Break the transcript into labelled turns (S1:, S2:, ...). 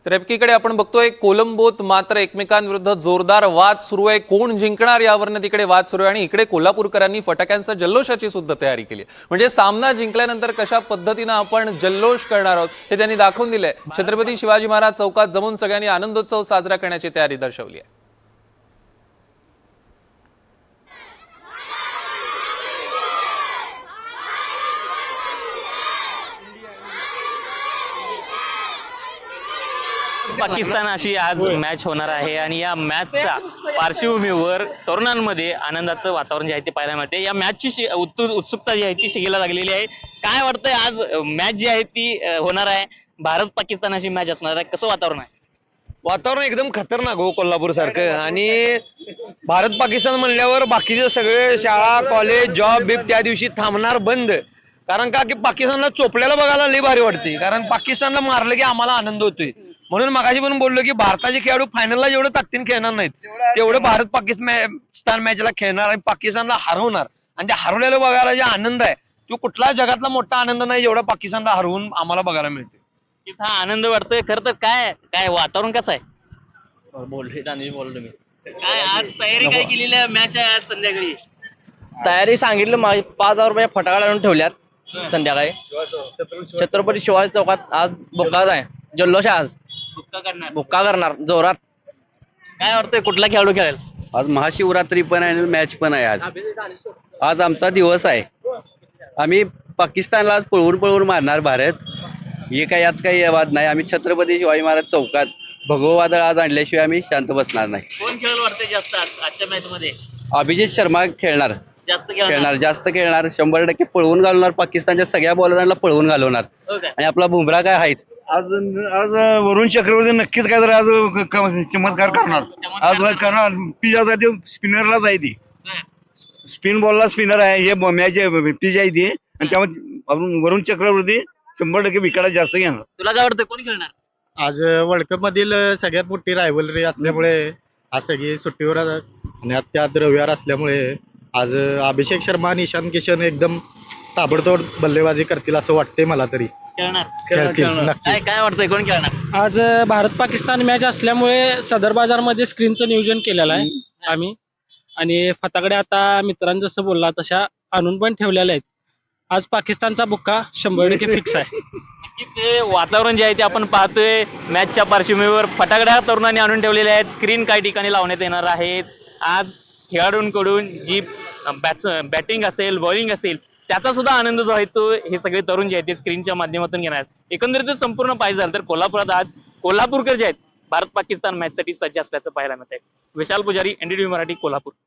S1: तर एकीकडे आपण बघतोय कोलंबोत मात्र एकमेकांविरुद्ध जोरदार वाद सुरू आहे। कोण जिंकणार यावरनं तिकडे वाद सुरू आहे आणि इकडे कोल्हापूरकरांनी फटाक्यांच्या जल्लोषाची सुद्धा तयारी केली आहे। म्हणजे सामना जिंकल्यानंतर कशा पद्धतीने आपण जल्लोष करणार आहोत हे त्यांनी दाखवून दिलंय। छत्रपती शिवाजी महाराज चौकात जमून सगळ्यांनी आनंदोत्सव साजरा करण्याची तयारी दर्शवली आहे।
S2: पाकिस्तानाशी आज मॅच होणार आहे आणि या मॅचच्या पार्श्वभूमीवर तरुणांमध्ये आनंदाचं वातावरण जे आहे ते पाहायला मिळते। या मॅचची उत्सुकता जी आहे ती शिगेला लागलेली आहे। काय वाटतंय आज मॅच जी आहे ती होणार आहे, भारत पाकिस्तानाशी मॅच असणार आहे, कसं वातावरण आहे?
S3: वातावरण एकदम खतरनाक हो कोल्हापूर सारखं। आणि भारत पाकिस्तान म्हणल्यावर बाकीचे सगळे शाळा कॉलेज जॉब बिब त्या दिवशी थांबणार बंद। कारण का की पाकिस्तानला चोपल्याला बघायला लई भारी वाटते, कारण पाकिस्तानला मारलं की आम्हाला आनंद होतोय। म्हणून मगाशी पण बोललो की भारताचे खेळाडू फायनलला जेवढं ताकदीने खेळणार नाहीत तेवढं भारत पाकिस्तान मॅचला खेळणार आणि पाकिस्तानला हरवणार। आणि त्या हरवलेलं बघायला जे आनंद आहे तो कुठला जगातला मोठा आनंद नाही जेवढा पाकिस्तानला हरवून आम्हाला बघायला मिळते।
S2: हा आनंद वाटतोय। खरं तर काय काय वातावरण कसं आहे? बोललो मी काय आज तयारी काय केलेली आहे? मॅच आहे आज संध्याकाळी।
S4: तयारी सांगितलं 5,000 रुपये फटाका लावून ठेवल्यात। संध्याकाळी छत्रपती शिवाजी चौकात आज बुक्का आहे, जल्लोष आहे। आज बुक्का करणार जोरात।
S2: काय वाटतंय कुठला खेळाडू खेळेल?
S5: आज महाशिवरात्री पण आहे आणि मॅच पण आहे। आज आमचा दिवस आहे। आम्ही पाकिस्तानला आज पळवून पळवून मारणार भारत, हे काय यात काही वाद नाही। आम्ही छत्रपती शिवाजी महाराज चौकात भगवं वादळ आज आणल्याशिवाय आम्ही शांत बसणार नाही।
S2: कोण खेळेल वाटतंय जास्त आजच्या मॅच मध्ये?
S5: अभिजित शर्मा खेळणार,
S2: जास्त
S5: जास्त खेळणार, 100% पळवून घालवणार। पाकिस्तानच्या सगळ्या बॉलरांना पळवून घालवणार आणि आपला बुमरा काय आहेच।
S6: आज आज वरुण चक्रवर्ती नक्कीच काय तर आज चमत्कार करणार। आज करणार पिजासाठी स्पिनरला जायची, स्पिन बॉलला स्पिनर आहे हे मॅच पिच आहे ती। आणि त्यामुळे वरुण चक्रवर्ती 100% विकेट जास्त घेणार।
S2: तुला काय वाटतं कोण खेळणार?
S7: आज वर्ल्ड कप मधील सगळ्यात मोठी रायव्हलरी असल्यामुळे आज सगळी सुट्टीवर आणि त्यात रविवार असल्यामुळे आज अभिषेक शर्मा आणि ईशान किशन एकदम ताबडतोब बल्लेबाजी करतील असं वाटतंय मला तरी। खेळतील नक्की।
S2: काय वाटतंय कोण खेळणार?
S8: आज भारत पाकिस्तान मॅच असल्यामुळे सदर बाजारमध्ये स्क्रीनचं नियोजन केलेलं आहे आम्ही, आणि फटाकडे आता मित्रांनी जसं बोलला तशा आणून पण ठेवलेल्या आहेत। आज पाकिस्तानचा बुक्का 100% फिक्स आहे।
S2: ते वातावरण जे आहे ते आपण पाहतोय मॅचच्या पार्श्वभूमीवर फटाकड्या तरुणांनी आणून ठेवलेल्या आहेत, स्क्रीन काही ठिकाणी लावण्यात येणार आहेत। आज खेळाडूंकडून जी बॅटिंग असेल बॉलिंग असेल त्याचा सुद्धा आनंद जो आहे तो हे सगळे तरुण जे आहेत ते स्क्रीनच्या माध्यमातून घेणार आहेत। एकंदरीत संपूर्ण पाहिजे झालं तर कोल्हापुरात आज कोल्हापूरकर जे आहेत भारत पाकिस्तान मॅच साठी सज्ज असल्याचं पाहायला मिळतंय। विशाल पुजारी, NDTV मराठी, कोल्हापूर।